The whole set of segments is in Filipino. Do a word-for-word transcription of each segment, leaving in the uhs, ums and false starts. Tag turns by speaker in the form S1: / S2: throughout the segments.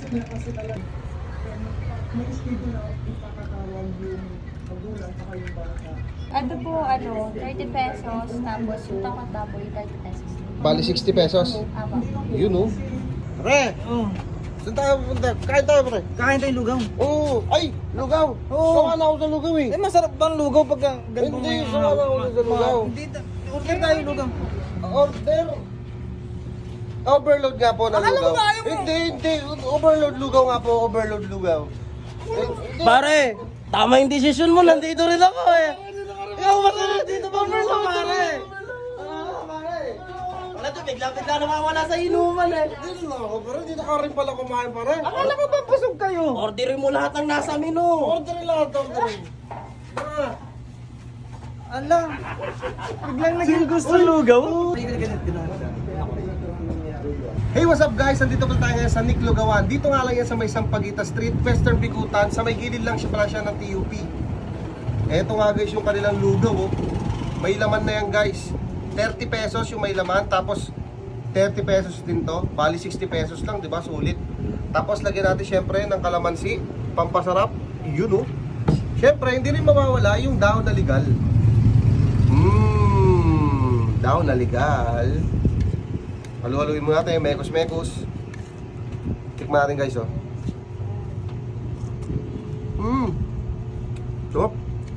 S1: niya kasi talaga. May schedule na ipakatawag yung magulang at yung bata.
S2: Ano po, ano, thirty pesos, tapos yung takot baboy, thirty pesos.
S3: Bali sixty pesos.
S2: Aba.
S3: Yun oh.
S4: Pre,
S5: Oh,
S4: saan tayo pupunta? Kain tayo, pre.
S5: kain tayo lugaw.
S3: Oo. Ay, lugaw.
S5: Oo.
S3: Sawa na ako sa lugaw eh.
S5: Eh, masarap ba ang lugaw pagka ganito?
S3: Hindi, sawa na ako sa lugaw.
S5: Hindi, order tayo lugaw.
S3: Order. Overload nga po ng
S5: Akala
S3: lugaw.
S5: ko ayaw mo.
S3: Hindi, hindi. Overload lugaw nga po. Overload lugaw. Eh, hindi.
S4: Pare, tama yung desisyon mo. Nandito rin ako eh. Ikaw ba rin dito ba, Merlo, pare? Ah, pare. Wala to, bigla-bigla nawawala sa inuman eh.
S3: Dito lang ako, pero hindi na ka rin pala kumain pa rin.
S5: Akala ko ba busog kayo?
S4: Orderin mo lahat ng nasa menu.
S3: Order lahat, order. Ah.
S5: Ala, biglang naging gusto lugaw.
S3: Hey, what's up guys? Nandito pala tayo ngayon sa Nick Lugawan. Dito nga lang yan sa may Sampaguita Street, Western Bikutan. Sa may gilid lang siya pala siya ng T U P. Eto nga guys yung kanilang lugaw oh. May laman na yan guys. thirty pesos yung may laman. Tapos thirty pesos din to. Bali sixty pesos lang, di ba? Sulit. Tapos lagyan natin syempre ng kalamansi. Pampasarap. Yun oh. Syempre hindi rin mawawala yung daon na legal. Mmm, daon na legal. Halu-haluin mo natin, mekos-mekos. Tikman natin guys, oh. Mmm. Sarap.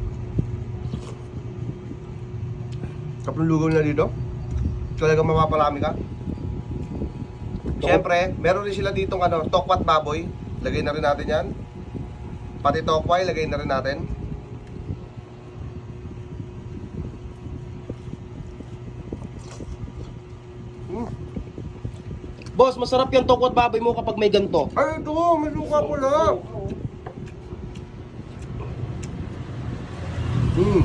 S3: Sarap ng lugaw na dito. Talagang mapapalami ka. Siyempre, meron rin sila ditong ano, tokwat baboy. Lagay na rin natin yan. Pati tokway, lagay na rin natin. Mm.
S4: Boss, masarap yung tokwat baboy mo kapag may ganto.
S3: Ay, ito, may suka pala. Mm.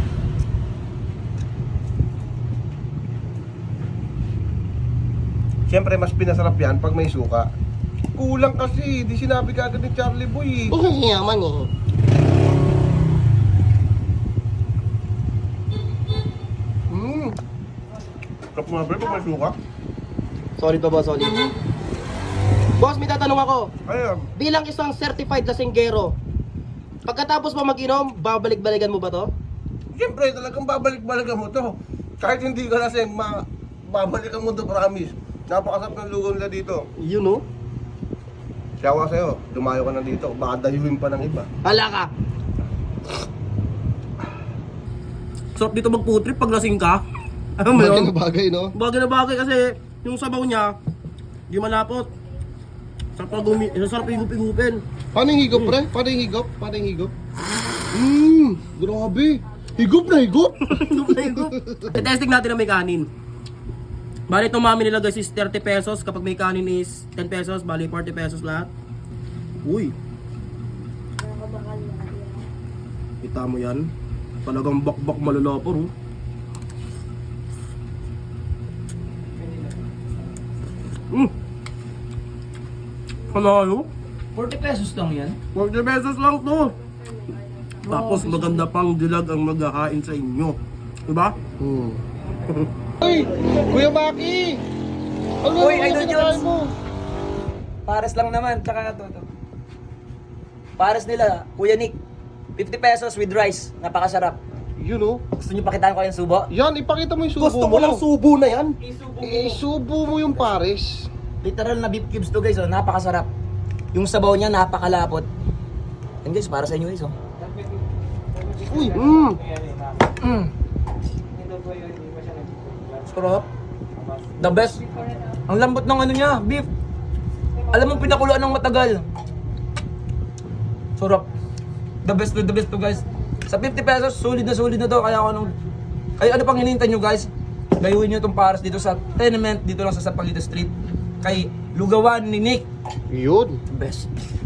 S3: Siyempre, mas pinasarap yan pag may suka. Kulang kasi, di sinabi ka agad ni Charlie Boy.
S4: Ang yaman eh.
S3: Mm. Sarap mga bre, pag may suka.
S4: Sorry to boss, sorry. Boss, may tatanong ako.
S3: Ayun.
S4: Bilang isang certified lasinggero, pagkatapos mo mag-inom, babalik-balikan mo ba to?
S3: Siyempre, talagang babalik-balikan mo to. Kahit hindi ka lasing, ma babalikan mo to, promise. Napakasarap ng lugaw nila dito.
S4: Yun no?
S3: Siyawa sa'yo, dumayo ka na dito, baka dayuhin pa ng iba.
S4: Hala ka! Sarap dito mag-food trip pag lasing ka. Ano mo
S3: Bagay
S4: yun?
S3: na bagay, no?
S4: Bagay na bagay kasi yung sabaw niya, di malapot. Sarap pag gumi, sarap higup-higupin.
S3: Paano yung higop, pre? Paano yung higop? Paano yung higop? Mmm, grabe. Higop na higop.
S4: Higup na higup. Testing natin na may kanin. Bali itong mami nila guys is thirty pesos. Kapag may kanin is ten pesos. Bali forty pesos lahat. Uy. Kita mo yan. Talagang bakbak malalapor oh. Mm. Panalo?
S5: forty pesos lang yan.
S4: forty pesos lang to. Tapos maganda pang dilag ang maghahain sa inyo. Diba?
S3: Hmm. Uy, Kuya Maki! Ano
S5: Uy,
S3: naman
S5: Idol
S3: yung
S5: Jones!
S3: kinakain mo?
S5: Pares lang naman, tsaka ito, ito. Pares nila, Kuya Nick. fifty pesos with rice. Napakasarap.
S3: Yun oh.
S5: Gusto niyo pakitaan ko yung subo?
S3: Yan, ipakita mo yung subo
S4: Gusto
S3: mo.
S4: ko lang subo na yan.
S3: Isubo mo yung pares.
S5: Literal na beef cubes to guys, oh. Napakasarap. Yung sabaw niya, napakalapot. And guys, para sa inyo guys, oh.
S3: Uy, mmm.
S5: Mm. Sarap. The best. Ang lambot ng ano niya, beef. Alam mo, pinakuluan ng matagal. Sarap. The best to the best to guys. Sa fifty pesos, solid na solid na to. Kaya ako nung... Ay, ano pang hinihintay nyo guys? Gayuhin nyo itong pares dito sa tenement, dito lang sa Sampaguita Street. Kay Lugawan ni Nick.
S3: Yun.
S5: Best.